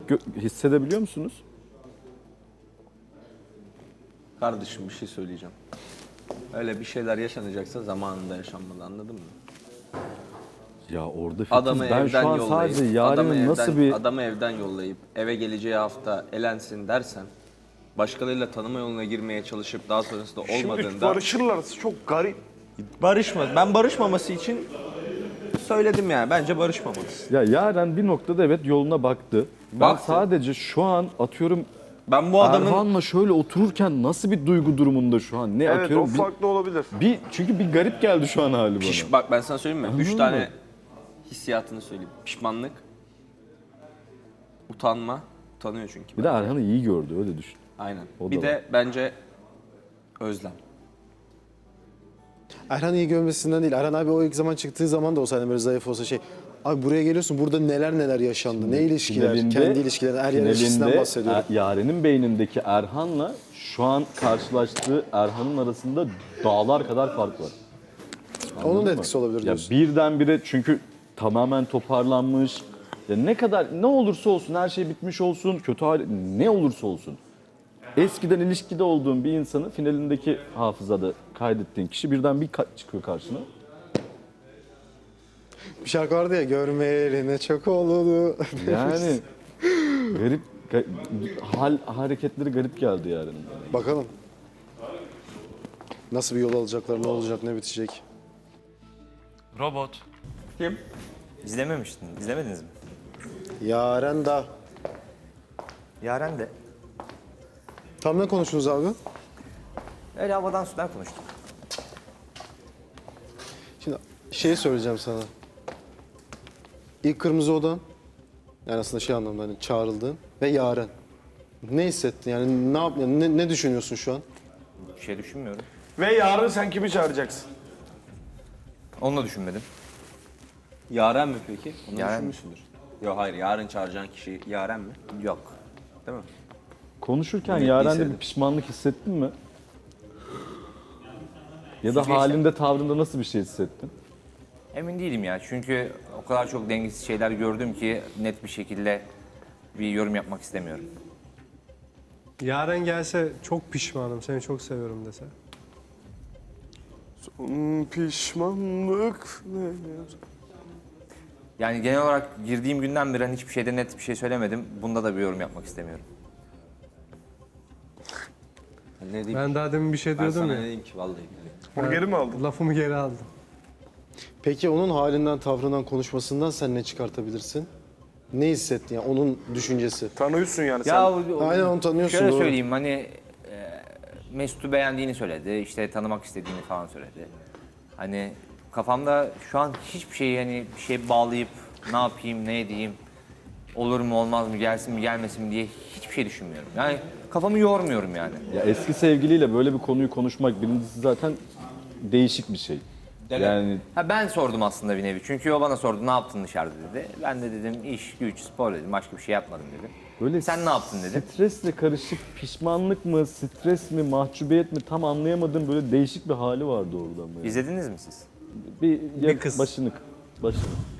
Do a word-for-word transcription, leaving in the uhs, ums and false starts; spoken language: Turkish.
gö- hissedebiliyor musunuz? Kardeşim bir şey söyleyeceğim. Öyle bir şeyler yaşanacaksa zamanında yaşanmalı, anladın mı? Ya orada Fitiz, Adamı ben evden şu an yollayıp, sadece adamı Yaren'in nasıl evden, bir... adamı evden yollayıp eve geleceği hafta elensin dersen, başkalarıyla tanıma yoluna girmeye çalışıp daha sonrasında Şimdi olmadığında barışırlarsa çok garip. barışma. Ben barışmaması için söyledim yani. Bence barışmamalısın. Ya Yaren bir noktada evet yoluna baktı. Ben Baktı. sadece şu an atıyorum Ben bu adamın Erhan'la şöyle otururken nasıl bir duygu durumunda şu an? Ne Evet, o atıyorum? Bir, farklı olabilir. bir, çünkü bir garip geldi şu an hali bana. Piş, bak ben sana söyleyeyim mi? Üç Anladın tane mı? hissiyatını söyleyeyim. Pişmanlık, utanma, utanıyor çünkü. Bir de Erhan'ı iyi gördü öyle düşün. Aynen. O Bir da de bence özlem. Erhan iyi görmesinden değil. Erhan abi o ilk zaman çıktığı zaman da olsaydı böyle zayıf olsa şey. Abi buraya geliyorsun burada neler neler yaşandı. Ne ilişkiler, Finalinde- kendi ilişkiler, her yer ilişkisinden finalinde bahsediyorum. Er- Yaren'in beynindeki Erhan'la şu an karşılaştığı Erhan'ın arasında dağlar kadar fark var. Onun da Anladın etkisi mı? olabilir Ya diyorsun. birdenbire çünkü tamamen toparlanmış. Ya ne kadar ne olursa olsun her şey bitmiş olsun, kötü hali ne olursa olsun. Eskiden ilişkide olduğun bir insanı finalindeki hafızada kaydettiğin kişi birden bir ka- çıkıyor karşına. Bir şarkı vardı ya görmeyeli ne çok oldu. Yani garip ga- hal hareketleri garip geldi yani. Bakalım. Nasıl bir yol alacaklar, ne olacak, ne bitecek. Robot. Kim? İzlememiştin, izlemediniz mi? Yaren da. Yaren de. Tam ne konuştunuz abi? Öyle havadan sudan konuştuk. Şimdi şey söyleyeceğim sana. İlk Kırmızı Odan, yani aslında şey anlamda hani çağrıldın ve Yaren. Ne hissettin yani ne yap yani ne, ne düşünüyorsun şu an? Bir şey düşünmüyorum. Ve yarın sen kimi çağıracaksın? Onu da düşünmedim. Yaren mi peki? Onu Yaren. düşünmüşsündür. Yok hayır, yarın çağıracağın kişi Yaren mi? Yok. Değil mi? Konuşurken Evet, Yaren'de hissettim. bir pişmanlık hissettin mi? Ya da Hiçbir halinde, tavrında nasıl bir şey hissettin? Emin değilim ya. Çünkü o kadar çok dengesiz şeyler gördüm ki net bir şekilde bir yorum yapmak istemiyorum. Yaren gelse çok pişmanım, seni çok seviyorum dese. Hmm, pişmanlık ne? Yani genel olarak girdiğim günden beri hani hiçbir şeyde net bir şey söylemedim. Bunda da bir yorum yapmak istemiyorum. Ne diyeyim? Ben daha demin bir şey Ben diyordum sana ya. ne diyeyim ki vallahi billahi. Bunu geri mi aldın? Lafımı geri aldım. Peki onun halinden, tavrından, konuşmasından sen ne çıkartabilirsin? Ne hissettin yani onun düşüncesi? Tanıyorsun yani Ya sen. o- Aynen, onu tanıyorsun, Şöyle doğru. söyleyeyim hani e, Mesut'u beğendiğini söyledi. İşte tanımak istediğini falan söyledi. Hani kafamda şu an hiçbir şeyi hani bir şey bağlayıp ne yapayım, ne edeyim, olur mu olmaz mı, gelsin mi gelmesin mi diye hiçbir şey düşünmüyorum. Yani kafamı yormuyorum yani. Ya eski sevgiliyle böyle bir konuyu konuşmak birincisi zaten değişik bir şey. Yani Ha ben sordum aslında bir nevi. Çünkü o bana sordu ne yaptın dışarıda dedi. Ben de dedim iş, güç, spor dedim. Başka bir şey yapmadım dedim. böyle Sen ne yaptın dedim. Stresle karışık pişmanlık mı, stres mi, mahcubiyet mi tam anlayamadığım böyle değişik bir hali vardı orada ama. yani. İzlediniz mi siz? Bir, ya kız. başını başını.